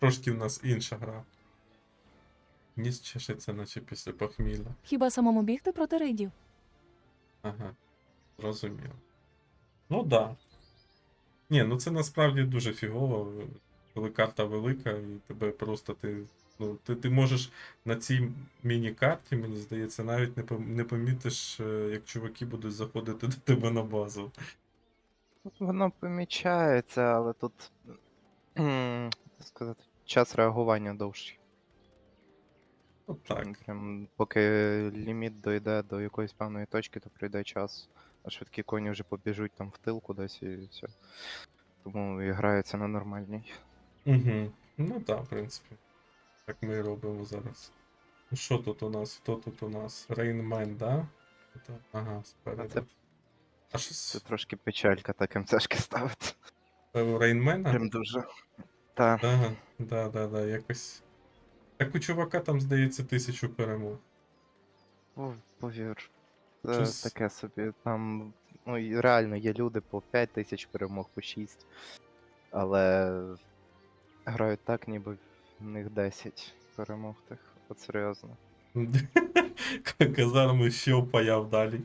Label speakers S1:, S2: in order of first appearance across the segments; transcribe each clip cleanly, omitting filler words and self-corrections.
S1: трошки в нас інша гра. Ніс чешеться, наче після похмілля.
S2: Хіба самому бігти проти рейдів?
S1: Ага, зрозуміло. Ну да. Ні, ну це насправді дуже фігово, коли карта велика, і тебе просто ти можеш на цій міні-карті, мені здається, навіть не помітиш, як чуваки будуть заходити до тебе на базу.
S3: Воно помічається, але тут, так сказати, час реагування довший.
S1: Ну так.
S3: Прям, поки ліміт дойде до якоїсь певної точки, то пройде час. А швидкі коні вже побіжуть там в тил кудись і все. Тому і грається на нормальній.
S1: Угу. Ну так, в принципі. Так ми і робимо зараз. Ну що тут у нас? Хто тут у нас? Рейнмен, да? Ага, спереду. А
S3: Це
S1: щось
S3: трошки печалька так МЦшки ставити.
S1: у Рейнмена?
S3: Прям дуже. Та.
S1: Ага, да, якось. Так у чувака там, здається, 1000 перемог.
S3: Повір. Це
S1: Щось-
S3: таке собі. Там, ну і реально є люди по 5000 перемог, по 6. Але грають так, ніби в них 10 перемог тих. От серйозно.
S1: Казарми ще впаяв далі.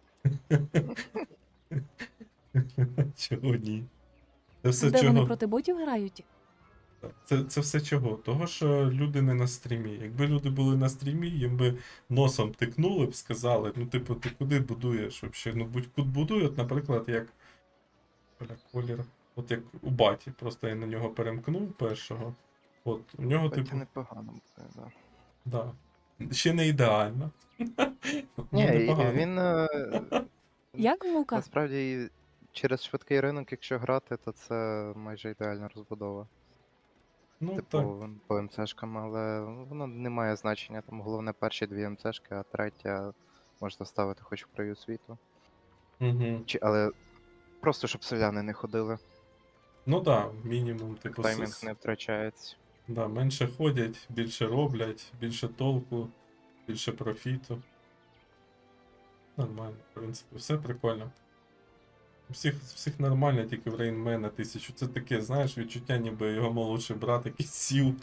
S1: Чого ні? Це все
S2: Де вони
S1: чого?
S2: проти ботів грають?
S1: Це все чого? Того, що люди не на стрімі. Якби люди були на стрімі, їм би носом тикнули б, сказали, ну, типу, ти куди будуєш взагалі? Ну, будь-куди будує, от, наприклад, як. Бля, колір. От як у баті. Просто я на нього перемкнув першого. От, у нього,
S3: Хоча
S1: типу,
S3: непогано буде, да.
S1: да. Ще не ідеально. Ну,
S3: Ні,
S1: непогано.
S3: він
S2: Як мука?
S3: насправді через швидкий ринок, якщо грати, то це майже ідеальна розбудова.
S1: Ну, так.
S3: Типу, по МЦшкам, але воно не має значення. Там головне перші дві МЦшки, а третя можна ставити хоч в краю світу.
S1: Угу.
S3: Але просто щоб селяни не ходили,
S1: Ну да, мінімум, типу,
S3: таймінг не втрачається.
S1: да, менше ходять, більше роблять, більше толку, більше профіту. Нормально, в принципі, все прикольно. Всіх нормально, тільки в Рейнмена 1000. Це таке, знаєш, відчуття, ніби його молодший брат якийсь сів.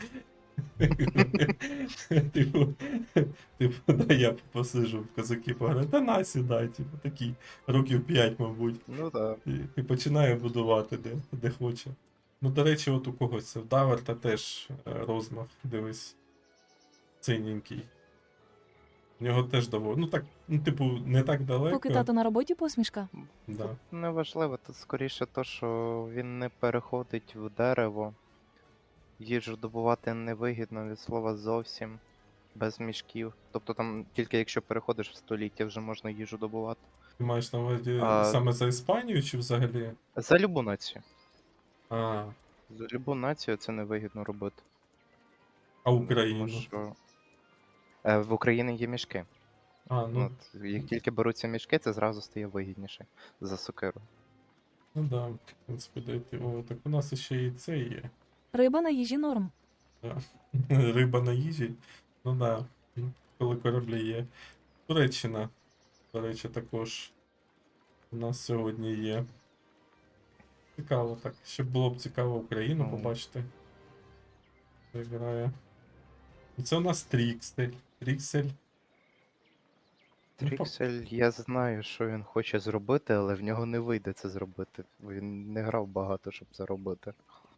S1: Типу, да, я посижу в козаки пограю. Та на сідай, типу, такий, років 5, мабуть.
S3: Ну так.
S1: І починає будувати де хоче. Ну, до речі, от у когось це в Даверта теж розмах, дивись. Синенький. У нього теж доволі. Ну так, ну, типу, не так далеко.
S2: Поки тато на роботі посмішка.
S1: Да.
S3: Неважливо, тут скоріше то, що він не переходить в дерево. Їжу добувати невигідно від слова зовсім. Без мішків. Тобто там тільки якщо переходиш в століття, вже можна їжу добувати.
S1: Ти маєш на увазі
S3: А-
S1: саме за Іспанію чи взагалі?
S3: За любу націю.
S1: А,
S3: За любу націю це невигідно робити.
S1: а
S3: Тому
S1: Україну?
S3: що в Україні є мішки.
S1: А, ну,
S3: От, як тільки беруться мішки, це зразу стає вигідніше за сокиру.
S1: ну да, в принципі, дойти. О, так у нас ще і це є.
S2: Риба на їжі норм.
S1: Да. Риба на їжі. Ну да, коли кораблі є. Туреччина, до речі, також у нас сьогодні є. Цікаво так. Ще було б цікаво Україну
S3: Ну.
S1: побачити. Хто грає. І це у нас Тріксель. Тріксель. Ну,
S3: Тріксель, я знаю, що він хоче зробити, але в нього не вийде це зробити. Він не грав багато, щоб це робити.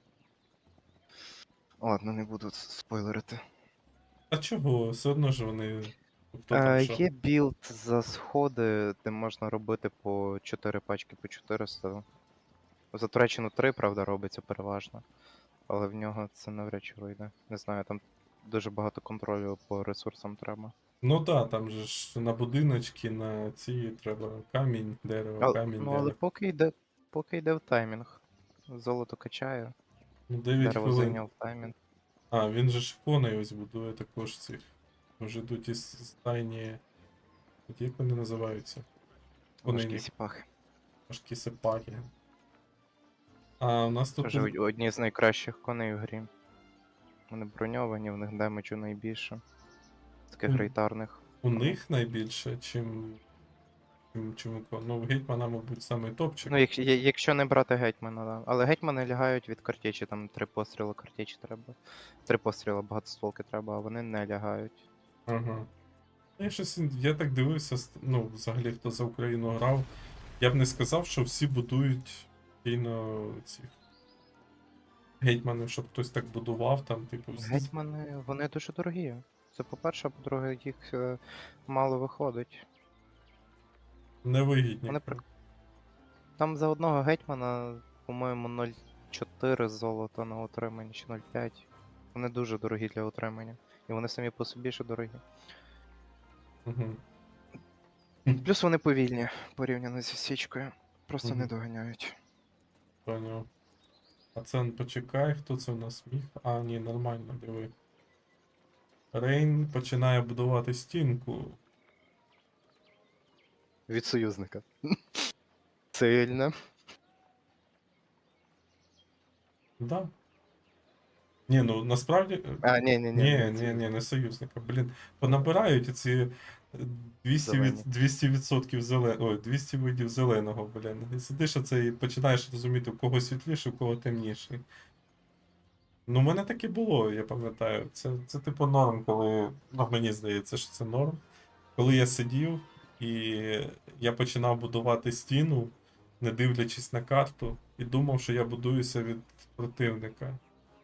S3: Ладно, не буду спойлерити.
S1: А чого? Все одно ж вони. Хто там що?
S3: Є білд за сходи, де можна робити по 4 пачки по 400. За Туреччину 3, правда, робиться переважно. Але в нього це навряд чи вийде. Не знаю, там дуже багато контролю по ресурсам треба.
S1: Ну да, там же ж на будиночки, на ці треба камінь, дерево, камінь,
S3: Ну, але
S1: дерево.
S3: поки йде в таймінг. Золото качає,
S1: Ну 9
S3: дерево
S1: хвилин.
S3: зайняв таймінг.
S1: А, він же ж коней ось будує також цих. Вже йдуть із стайні. От як вони називаються?
S3: Важкі
S1: Коней.
S3: сіпахи.
S1: Важкі сепаки. А у нас тут.
S3: Вже одні з найкращих коней в грі. Вони броньовані, в них демеджу найбільше. З таких
S1: Мгм.
S3: рейтарних.
S1: У них найбільше, чим. чим у кого. Ну, гетьмана, мабуть, самий топчик.
S3: Ну, якщо не брати гетьмана, да. Але гетьмани лягають від картечі, там 3 постріли картечі треба. 3 постріли багатостволки треба, а вони не лягають.
S1: Ага. Я так дивився, ну, взагалі, хто за Україну грав. Я б не сказав, що всі будують постійно ці гетьмани, щоб хтось так будував, там, типу,
S3: Гетьмани, вони дуже дорогі. Це по-перше, а по-друге, їх мало виходить.
S1: невигідні.
S3: Вони Там за одного гетьмана, по-моєму, 0,4 золота на утримання чи 0,5. Вони дуже дорогі для утримання. І вони самі по собі ще дорогі.
S1: Угу.
S3: Плюс вони повільні порівняно зі свічкою. Просто не
S1: Мгм.
S3: доганяють.
S1: Поняв. А це почекай, хто це в нас міг? А, ні, нормально, диви. Рейн починає будувати стінку.
S3: Від союзника. Сильно.
S1: Да. Ні, ну насправді.
S3: А, ні,
S1: Не союзника. Блін, понабирають ці 200
S3: Зелені.
S1: 200% Ой, 200 видів зеленого, блін. І сидиш оце і починаєш розуміти, у кого світліший, у кого темніший. Ну, у мене таке було, я пам'ятаю. Це типу норм, коли. Ну, мені здається, що це норм. Коли я сидів і я починав будувати стіну, не дивлячись на карту, і думав, що я будуюся від противника.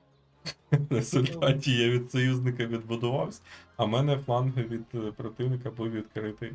S1: В результаті я від союзника відбудувався, а в мене фланг від противника був відкритий.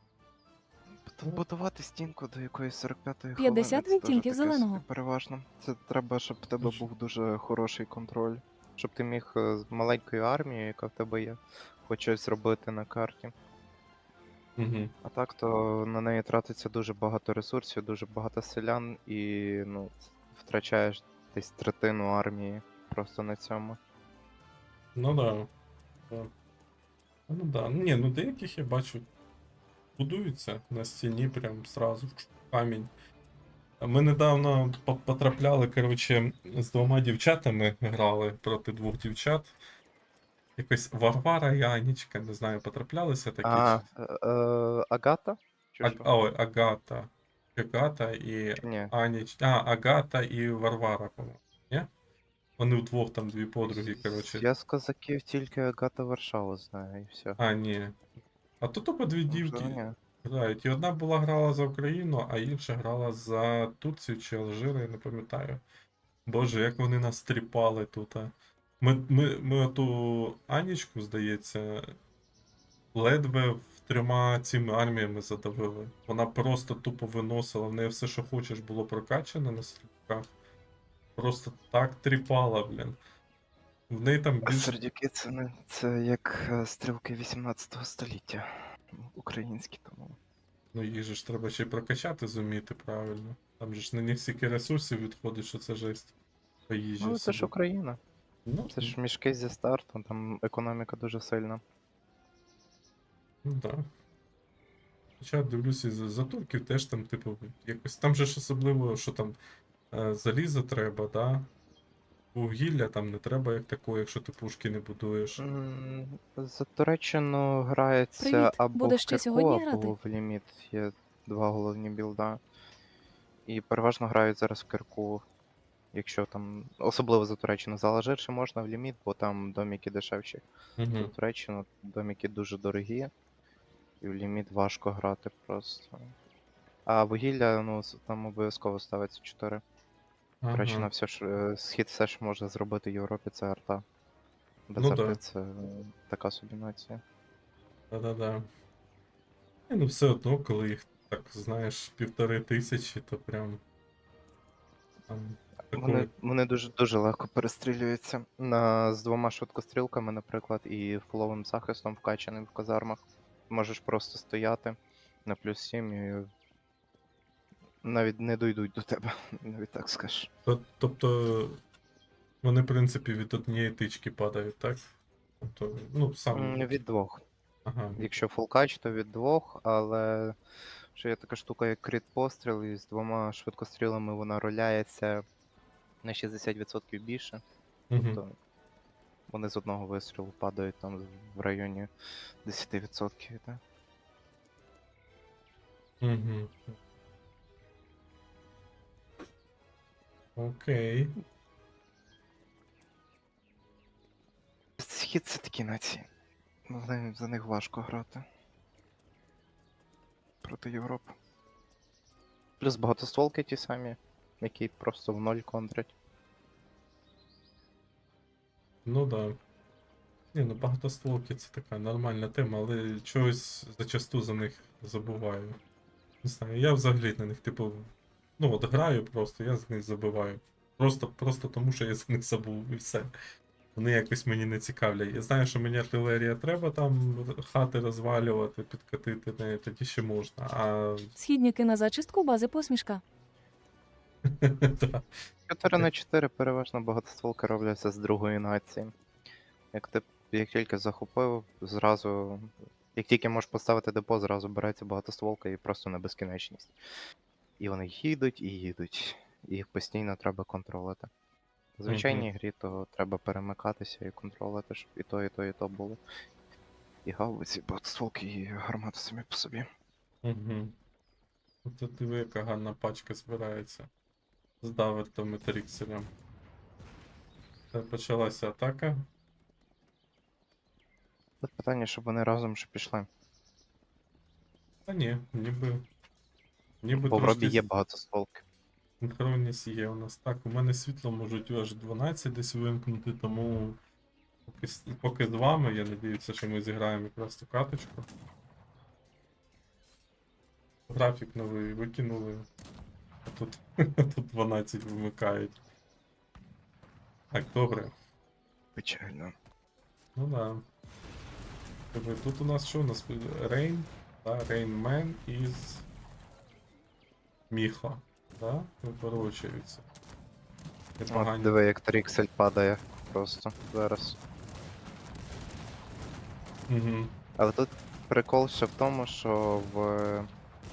S3: Будувати стінку до якоїсь 45-ї
S2: 50
S3: хвилини, це
S2: відтінків
S3: теж таке
S2: зеленого.
S3: собі переважно. Це треба, щоб в тебе
S1: Точно.
S3: був дуже хороший контроль. Щоб ти міг з маленькою армією, яка в тебе є, хоч щось робити на карті.
S1: Угу.
S3: А так, то на неї тратиться дуже багато ресурсів, дуже багато селян, і ну, втрачаєш десь третину армії просто на цьому.
S1: Ну да. Да. Ну да. Ні, ну деяких я бачу. Будуються на стіні прям сразу в камінь. Ми недавно потрапляли, коротше, з двома дівчатами грали проти двох дівчат. Якось Варвара і Анічка, не знаю, потраплялися такі.
S3: Агата? Чи що?
S1: Ой, Агата. Агата і
S3: Чи ні?
S1: Агата і Варвара, по-моєму. Ні? Вони вдвох там дві подруги, коротше.
S3: Я з козаків тільки Агата Варшаву знаю, і все.
S1: А, ні. А тут тупо дві дівки
S3: Ні.
S1: грають. І одна була грала за Україну, а інша грала за Турцію чи Алжир, я не пам'ятаю. Боже, як вони нас тріпали тут. Ми оту Анічку, здається, ледве в 3 цими арміями задавили. Вона просто тупо виносила, в неї все, що хочеш, було прокачано на стрілках. Просто так тріпала, блін. В неї там
S3: А
S1: більше.
S3: сердюки це як стрілки 18 століття. Українські тому.
S1: Ну, їх же ж треба ще й прокачати зуміти правильно. Там же ж на них стільки ресурсів відходить, що це жесть. По їжі.
S3: Ну, це ж
S1: собі.
S3: Україна.
S1: Ну,
S3: Це ж мішки зі старту, там економіка дуже сильна.
S1: ну да. Хоча дивлюся, за турків теж там, типу, якось. Там же ж особливо, що там залізо треба, да? Вугілля там не треба як такого, якщо ти пушки не будуєш.
S3: За Туреччину грається
S2: Привіт.
S3: або
S2: Будеш
S3: в
S2: ще
S3: Кирку,
S2: сьогодні
S3: або
S2: грати?
S3: в ліміт. Є 2 головні білда. І переважно грають зараз в Кирку. Якщо там, особливо за Туреччину, за Алжир ще можна в ліміт, бо там доміки дешевші. За
S1: Угу.
S3: Туреччину доміки дуже дорогі, і в ліміт важко грати просто. А вугілля, ну, там обов'язково ставиться 4. Туреччина
S1: Ага.
S3: все ж, схід все, що може зробити в Європі, це арта. Без
S1: Ну
S3: арти
S1: да.
S3: це така собі нація.
S1: Да-да-да. І, ну все одно, коли їх так, знаєш, 1500, то прям. Там такої.
S3: Вони дуже легко перестрілюються. З 2 швидкострілками, наприклад, і фуловим захистом вкачаним в казармах. Можеш просто стояти на +7 і навіть не дойдуть до тебе, навіть так скажеш.
S1: Тобто вони, в принципі, від однієї тички падають, так? Тобто, ну, сам.
S3: Від 2.
S1: Ага.
S3: Якщо фулкач, то від 2, але ще є така штука, як крит постріл, і з 2 швидкострілами вона роляється на 60% більше.
S1: Угу.
S3: Тобто вони з одного вистрілу падають там в районі 10%. Так?
S1: Угу. Окей.
S3: Схід це такі нації. За них важко грати. Проти Європи. Плюс багатостволки ті самі, які просто в ноль контрять.
S1: Ну да. Ні, ну багатостволки це така нормальна тема, але чогось зачасту за них забуваю. Не знаю, я взагалі на них, типу, ну от граю просто, я з них забиваю. Просто тому, що я за них забув і все. Вони якось мені не цікавлять. Я знаю, що мені артилерія треба там хати розвалювати, підкатити нею, тоді ще можна. А
S2: Східніки на зачистку бази посмішка.
S1: та,
S3: 4 на 4 переважно багатостволки робляться з другої нації. Як тільки захопив, зразу. Як тільки можеш поставити депо, зразу береться багатостволка і просто на безкінечність. І вони їдуть і їдуть. І їх постійно треба контролити. В звичайній грі то треба перемикатися і контролити, щоб і то, і то, і то було. І гаубиці, багатостволки, і гармати самі по собі.
S1: угу. Це диви, яка гарна пачка збирається. З Давертом і Тріксером. Це почалася атака.
S3: Тут питання, щоб вони разом ще пішли.
S1: Та ні, ніби
S3: Бо в робі
S1: трошки
S3: є багатостволки.
S1: синхронність є у нас. Так, у мене світло можуть аж 12 десь вимкнути, тому поки з вами, я надіюся, що ми зіграємо якраз цю каточку. Графік новий викинули. А тут, тут 12 вимикають. Так, добре.
S3: Печально.
S1: Ну да. Добре, тут у нас що? У нас Рейн, да? Рейнмен із Міха. Да? Випорочуються.
S3: От
S1: Непогані.
S3: диви, як Тріксель падає просто зараз.
S1: Угу.
S3: Але тут прикол ще в тому, що в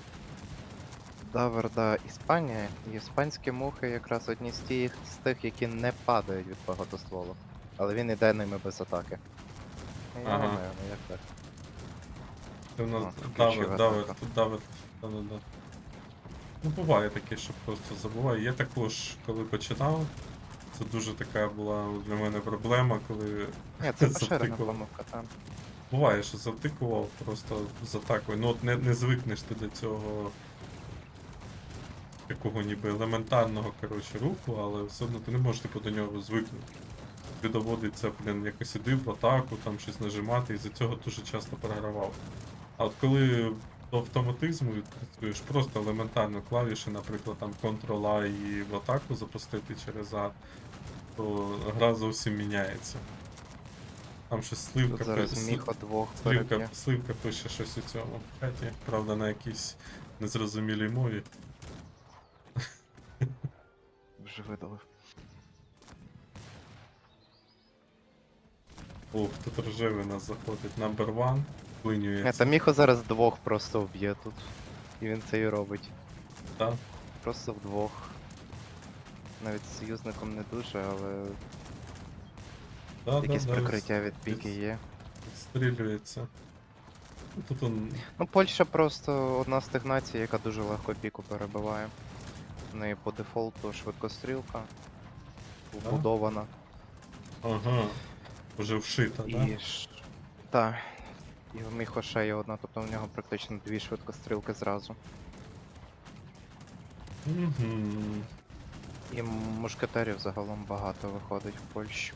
S3: Даверда Іспанія, і іспанські мухи якраз одні з тих, які не падають від багатостволу. Але він іде ними без атаки.
S1: Ага.
S3: Я знаю, ну як так.
S1: Це у нас
S3: О, включив
S1: Давид,
S3: атаку.
S1: тут Давид. Да-да-да. Ну, буває таке, що просто забуваю. Я також, коли починав, це дуже така була для мене проблема, коли
S3: Ні, це поширена
S1: завтикував.
S3: помилка, там.
S1: Буває, що завтикував просто з атакою. Ну от не звикнеш ти до цього якого ніби елементарного коротше, руху, але все одно ти не можеш типу, до нього звикнути. Тобі доводиться, блін, якось іди в атаку, там щось нажимати, і за цього дуже часто програвав. А от коли до автоматизму відпрацюєш, просто елементарно клавіші, наприклад, там Ctrl-A і в атаку запустити через А, то гра зовсім міняється. Там щось
S3: Тут
S1: сливка,
S3: зараз міхо двох переб'є.
S1: сливка пише щось у цьому чаті, правда, на якійсь незрозумілій мові.
S3: Вже видалив.
S1: Ух, тут рожевий нас заходить. Number one,
S3: Ні,
S1: вклинюється.
S3: та міхо зараз двох просто вб'є тут. І він це і робить.
S1: Да?
S3: Просто вдвох. Навіть з союзником не дуже, але
S1: Да,
S3: якесь
S1: да,
S3: прикриття від піки є.
S1: Відстрілюється. Ну, тут он.
S3: Ну, Польща просто одна з тих націй, яка дуже легко піку перебиває. В неї по дефолту швидкострілка вбудована.
S1: Ага. Уже вшита, да?
S3: І Так. І в Міхо ще є одна, тобто в нього практично дві швидкострілки зразу.
S1: Угу.
S3: І мушкетерів загалом багато виходить в Польщі.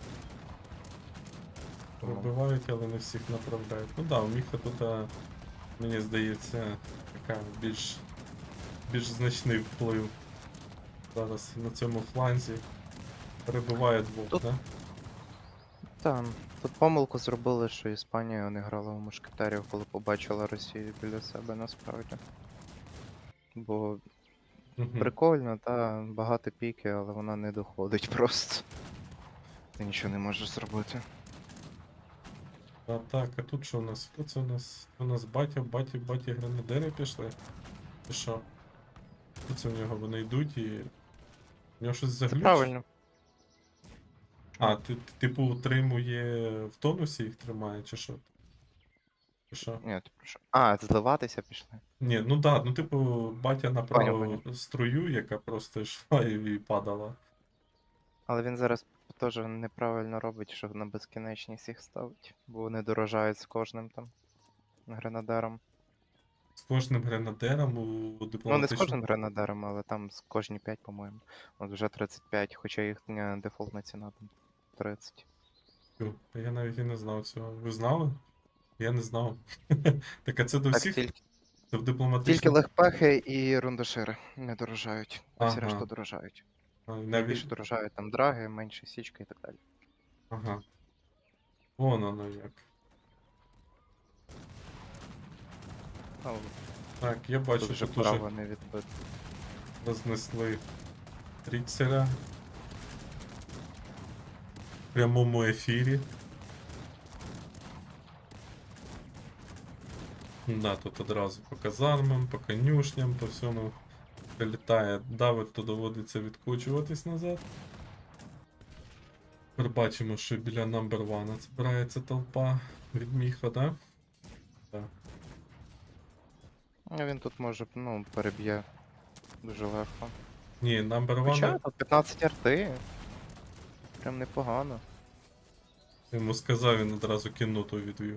S3: Тому
S1: Вибивають, але не всіх направляють. Ну да, у Міха тут, мені здається, така більш значний вплив. Зараз на цьому фланзі. Перебиває двох,
S3: Тут-
S1: да?
S3: Там, тут помилку зробили, що Іспанія не грала в мушкетерів, коли побачила Росію біля себе насправді. Бо
S1: Угу.
S3: прикольно, та багато піки, але вона не доходить просто. Ти нічого не можеш зробити.
S1: Так, а тут що у нас? Хто це у нас? У нас баті гранадери пішли. Чи що? Що це в нього? Вони йдуть і. У нього щось
S3: Це
S1: заглючить?
S3: правильно.
S1: А, типу утримує в тонусі їх тримає, чи що? Що?
S3: Ні, ти про що? А, зливатися пішли.
S1: Ні, ну да, ну типу, батя направив
S3: Поняв.
S1: струю, яка просто йшла і падала.
S3: Але він зараз теж неправильно робить, що на безкінечність їх ставить, бо вони дорожають з кожним там гренадером.
S1: З кожним гренадером у
S3: Ну, не з
S1: дипломатичному.
S3: кожним гренадером, але там з кожні 5, по-моєму. От вже 35, хоча їхня дефолтна ціна там 30.
S1: Тю, та я навіть і не знав цього. Ви знали? Я не знав. Так а це до
S3: Так,
S1: всіх?
S3: тільки,
S1: Це в
S3: тільки
S1: дипломатичному.
S3: легпехи і рундашири не дорожають, а всі
S1: Ага.
S3: решта дорожають.
S1: Навіть...
S3: Найбільше дорожають там драги, менше січка і так далі.
S1: Ага. Вон воно як.
S3: Ну,
S1: Так, я бачу,
S3: тут вже
S1: що дуже
S3: право не відбито.
S1: рознесли Тріксера. В прямому ефірі. Да, тут одразу по казармам, по конюшням, по всьому прилітає давид, то доводиться відкочуватись назад. Тепер бачимо, що біля number one збирається толпа від Міха, да? Так.
S3: А він тут може, ну, переб'є дуже легко.
S1: Ні, number
S3: Хоча
S1: one
S3: тут 15 арти. Прям непогано.
S1: йому сказав, він одразу кінноту відвів.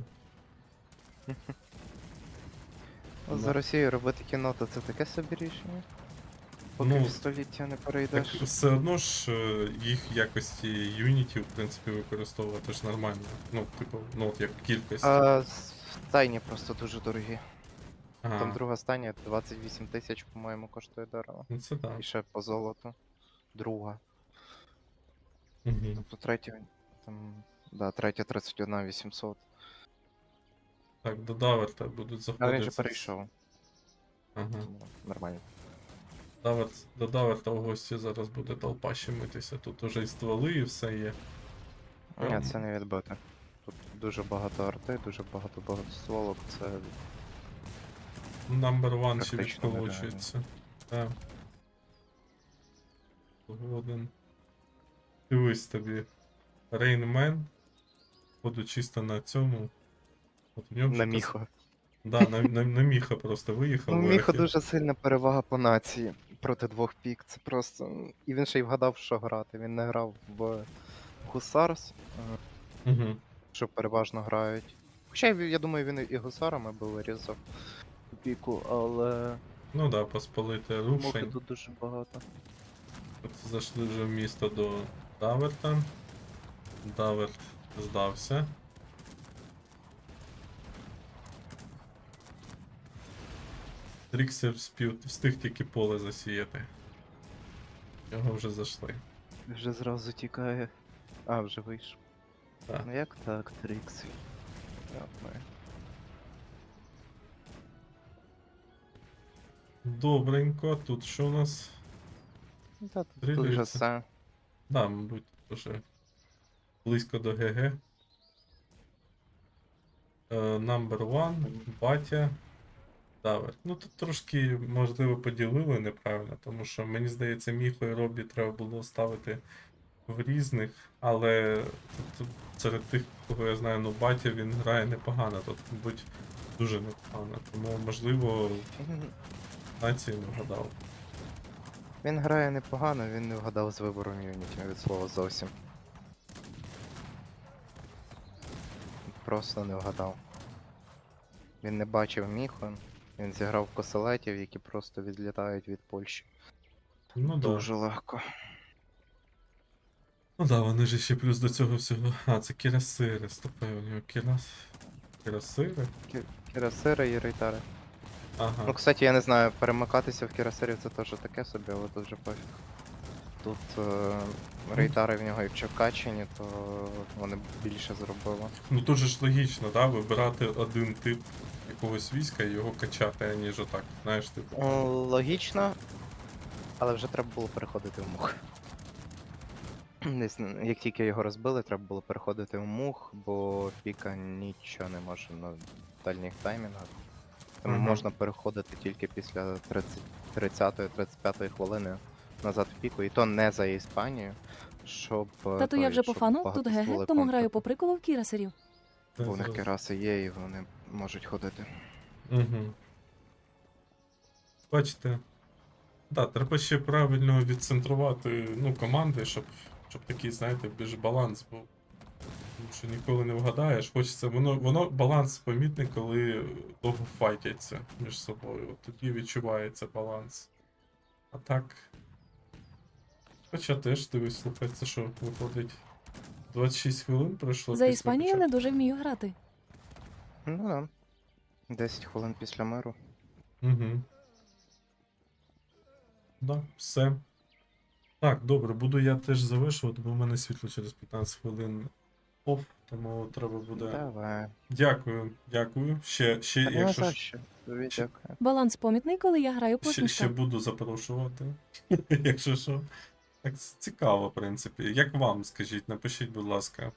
S3: От
S1: Да.
S3: за Росією робити кіно, то це таке собі рішення. Поки
S1: Ну,
S3: в століття не
S1: Так
S3: перейдеш.
S1: все одно ж їх в якості юнітів, в принципі, використовувати ж нормально. Ну, типу, ну от як кількість.
S3: Стайні просто дуже дорогі. Там
S1: Ага,
S3: друга стайня 28 тисяч, по-моєму, коштує дорого.
S1: ну це так.
S3: І ще по золоту. Друга.
S1: Угу.
S3: Тобто третя, там, да, третя 31 800.
S1: Так, до Даверта будуть
S3: Але
S1: заходити.
S3: він же перейшов.
S1: Ага.
S3: Тому нормально.
S1: До Даверта в гості зараз буде толпа щемитися. Тут уже і стволи, і все є.
S3: Ні, це не відбити. Тут дуже багато арти, дуже багато багатостволок, це
S1: Number one ще
S3: Практично
S1: відколочується. Так. Згоден. Дивись тобі. Рейнмен. Буду чисто на цьому. От в ньому
S3: на
S1: вже
S3: міхо.
S1: Да, на Міха просто виїхав.
S3: Ну,
S1: в
S3: Міхо
S1: верхи.
S3: дуже сильна перевага по нації проти двох пік. Це просто. І він ще й вгадав, що грати. Він не грав в Гусарс,
S1: Угу.
S3: що переважно грають. Хоча я думаю, він і гусарами би вирізав піку, але
S1: Ну да, посполити
S3: мухи
S1: рушень.
S3: тут дуже багато.
S1: От зайшли вже в місто до Даверта. Даверт здався. Тріксер встиг тільки поле засіяти. Його вже зайшли.
S3: Вже зразу тікає. А, вже вийшов.
S1: Так.
S3: Ну як так, Трікс? Ясно.
S1: Добренько, тут що у нас?
S3: Ну, та, тут
S1: Стрілюється.
S3: вже все.
S1: Да, мабуть, вже близько до ГГ. Number one, батя, Даверт. Ну тут трошки, можливо, поділили неправильно, тому що мені здається, Міхо і Робі треба було ставити в різних, але тут серед тих, кого я знаю, ну батя він грає непогано, тут, мабуть, дуже непогано. Тому, можливо, нації не вгадав.
S3: Він грає непогано, він не вгадав з вибором юнітів від слова зовсім. Просто не вгадав. Він не бачив Міхо, він зіграв коселетів, які просто відлітають від Польщі.
S1: Ну да.
S3: Дуже легко.
S1: Ну да, вони ж ще плюс до цього всього. А, це кірасири, стопе, у нього кірасири?
S3: Кірасири і рейтари.
S1: Ага.
S3: Ну, кстати, я не знаю, перемикатися в кірасирів це теж таке собі, але тут вже пофіг. Тут рейтари в нього, якщо качені, то вони більше зробили.
S1: Ну тут же ж логічно, да, вибирати один тип якогось війська і його качати, аніж отак, знаєш, типу.
S3: Логічно, але вже треба було переходити в мух. Десь, як тільки його розбили, треба було переходити в мух, бо піка нічого не може на дальніх таймінгах. Тому
S1: Мгм.
S3: можна переходити тільки після 30-35 хвилини назад в піку, і то не за Іспанію, щоб.
S2: Тату,
S3: той,
S2: я вже по
S3: щоб
S2: фану, тут
S3: багатостволи
S2: ГГ, тому граю
S3: контрити.
S2: по приколу в кірасерів.
S1: Це
S3: Бо в них
S1: зрозуміло.
S3: кераси є, і вони можуть ходити.
S1: Угу. Бачите. Да, треба ще правильно відцентрувати команди, щоб такий, знаєте, більш баланс був. Тому що ніколи не вгадаєш. Хочеться, воно баланс помітний, коли довго файтяться між собою. От тоді відчувається баланс. А так. Хоча теж дивись, слухай, це що, виходить. 26 хвилин пройшло
S2: За
S1: після
S2: Іспанію
S1: початку?
S2: не дуже вмію грати.
S3: Ну да. 10 хвилин після миру.
S1: Угу. Да, все. Так, добре, буду я теж завершувати, бо в мене світло через 15 хвилин оф, тому треба буде.
S3: Давай.
S1: Дякую, дякую. Ще,
S3: Та не
S1: якщо
S3: за
S1: ж,
S3: що. Тобі
S1: ще-
S3: дякую.
S2: Баланс помітний, коли я граю
S1: ще
S2: посмішка.
S1: буду запрошувати. Якщо що. Так цікаво, в принципі. Як вам, скажіть, напишіть, будь ласка.